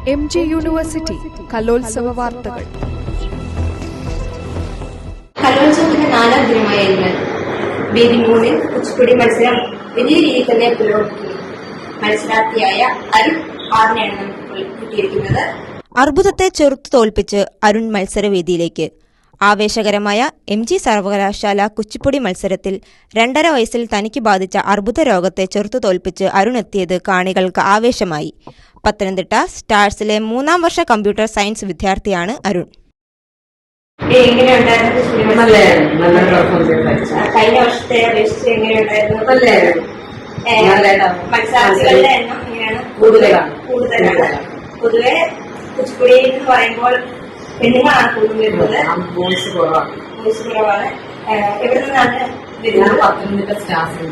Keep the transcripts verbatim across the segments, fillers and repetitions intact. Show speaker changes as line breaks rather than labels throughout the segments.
M G university കലോത്സവ വാർത്തകൾ.
കലോത്സവത്തിന്റെ നാലാം ദിനമായ ഇന്ന് വേദി മൂന്നിൽ കുച്ചിപ്പുടി മത്സരം വലിയ രീതിയിൽ തന്നെ പുരോഗമിക്കുന്നു. മത്സരാർത്ഥിയായ അരുൺ ആറിനെയാണ് നമുക്ക് കിട്ടിയിരിക്കുന്നത്.
അർബുദത്തെ ചെറുത്തു തോൽപ്പിച്ച് അരുൺ മത്സരവേദിയിലേക്ക്. ആവേശകരമായ എം ജി സർവകലാശാല കുച്ചിപ്പുടി മത്സരത്തിൽ രണ്ടര വയസ്സിൽ തനിക്ക് ബാധിച്ച അർബുദ രോഗത്തെ ചെറുത്തു തോൽപ്പിച്ച് അരുൺ എത്തിയത് കാണികൾക്ക് ആവേശമായി. പത്തനംതിട്ട സ്റ്റാർസിലെ മൂന്നാം വർഷ കമ്പ്യൂട്ടർ സയൻസ് വിദ്യാർത്ഥിയാണ് അരുൺ.
കഴിഞ്ഞ വർഷത്തെ അപേക്ഷിച്ച് എങ്ങനെയുണ്ടായിരുന്നു? മത്സരാർത്ഥികളുടെ എണ്ണം എങ്ങനെയാണ്? കൂടുതലാണ്. പൊതുവെ കുച്ചിപ്പുടി എന്ന് പറയുമ്പോൾ പെണ്ണുങ്ങളാണ് കൂടുതൽ വരുന്നത്, ബോയ്സ് കുറവാണ്. എവിടെ നിന്നാണ് വരുന്നത്?
പത്തനംതിട്ട സ്റ്റാഫ്.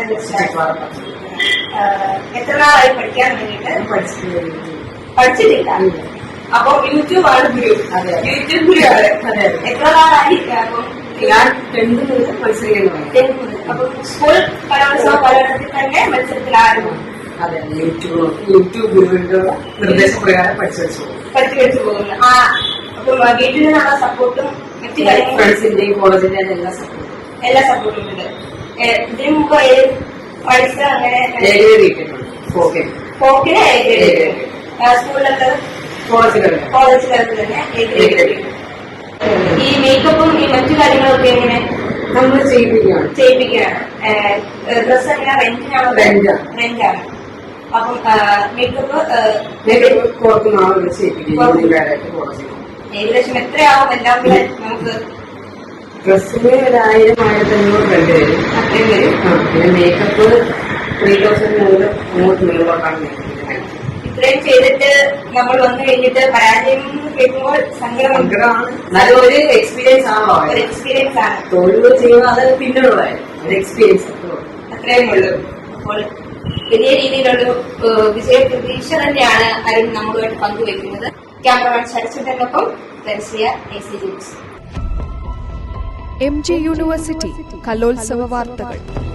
എത്ര നാളായി പഠിക്കാൻ വേണ്ടിട്ട്? പഠിച്ചിട്ടില്ല. അപ്പൊ യൂട്യൂബ് ആണ് ഗുരു. യൂട്യൂബ് ഗുരു ആണ്. എത്ര നാളായി? അപ്പം
ഞാൻ ടെൻത്ത് മുതൽ മത്സരിക്കുന്നു.
അപ്പൊ സ്കൂൾ കലോത്സവ കാലഘട്ടത്തിൽ തന്നെ മത്സരത്തിലായിരുന്നു.
അതെ, യൂട്യൂബ് യൂട്യൂബ് ഗുരുവിന്റെ നിർദ്ദേശപ്രകാരം പഠിച്ചു വെച്ചു
പഠിച്ചു വെച്ചു പോകുന്നു. ആ അപ്പൊ വീട്ടിൽ നിന്നുള്ള സപ്പോർട്ടും മറ്റു കാര്യങ്ങളും
ഫ്രണ്ട്സിന്റെയും കോളേജിന്റെയും എല്ലാ സപ്പോർട്ടും
എല്ലാ സപ്പോർട്ടും ഉണ്ട്. ഇതിനു മുമ്പ് പഠിച്ച അങ്ങനെ ഫോക്കിന് സ്കൂളിലൊക്കെ കോളേജ് തലത്തിൽ തന്നെ ഈ മേക്കപ്പും ഈ മറ്റു കാര്യങ്ങളൊക്കെ എങ്ങനെ
നമ്മൾ ചെയ്യിപ്പിക്കുകയാണ്
ചെയ്യിപ്പിക്കുകയാണ് ഡ്രസ് എങ്ങനെ റെന്റിനാണോ? റെന്റാണ്. അപ്പം മേക്കപ്പ്
പുറത്തുനിന്നാണ് ചെയ്യിപ്പിക്കുന്നത്.
ഏകദേശം എത്രയാവും എല്ലാം കൂടെ നമുക്ക്?
ഡ്രസ്സിന് ഒരു ആയിരം ആയിരത്തി അഞ്ഞൂറ് രണ്ട് വരും.
അത്രയും വരും.
പിന്നെ മേക്കപ്പ് ത്രീ തൗസൻഡ് മുതൽ അങ്ങോട്ട് മുകളിലോട്ടാണ്.
ഇത്രയും ചെയ്തിട്ട് നമ്മൾ വന്നു കഴിഞ്ഞിട്ട് പരാജയം കേൾക്കുമ്പോൾ
സങ്കടമാണ്. നല്ലൊരു എക്സ്പീരിയൻസ് ആണോ?
ഒരു എക്സ്പീരിയൻസ് ആണ്.
തൊഴിൽ ചെയ്യുമ്പോൾ അത് പിന്നീടുള്ളതായിരുന്നു ഒരു എക്സ്പീരിയൻസ്.
അത്രയും ഉള്ളൂ. അപ്പോൾ വലിയ രീതിയിലുള്ള വിജയ പ്രതീക്ഷ തന്നെയാണ് അരുൺ നമ്മളുമായിട്ട് പങ്കുവയ്ക്കുന്നത്. ക്യാമറമാൻ ശരചന്ദ്രനൊപ്പം തരിസിയ A C news.
M G university കലോത്സവ വാർത്തകൾ.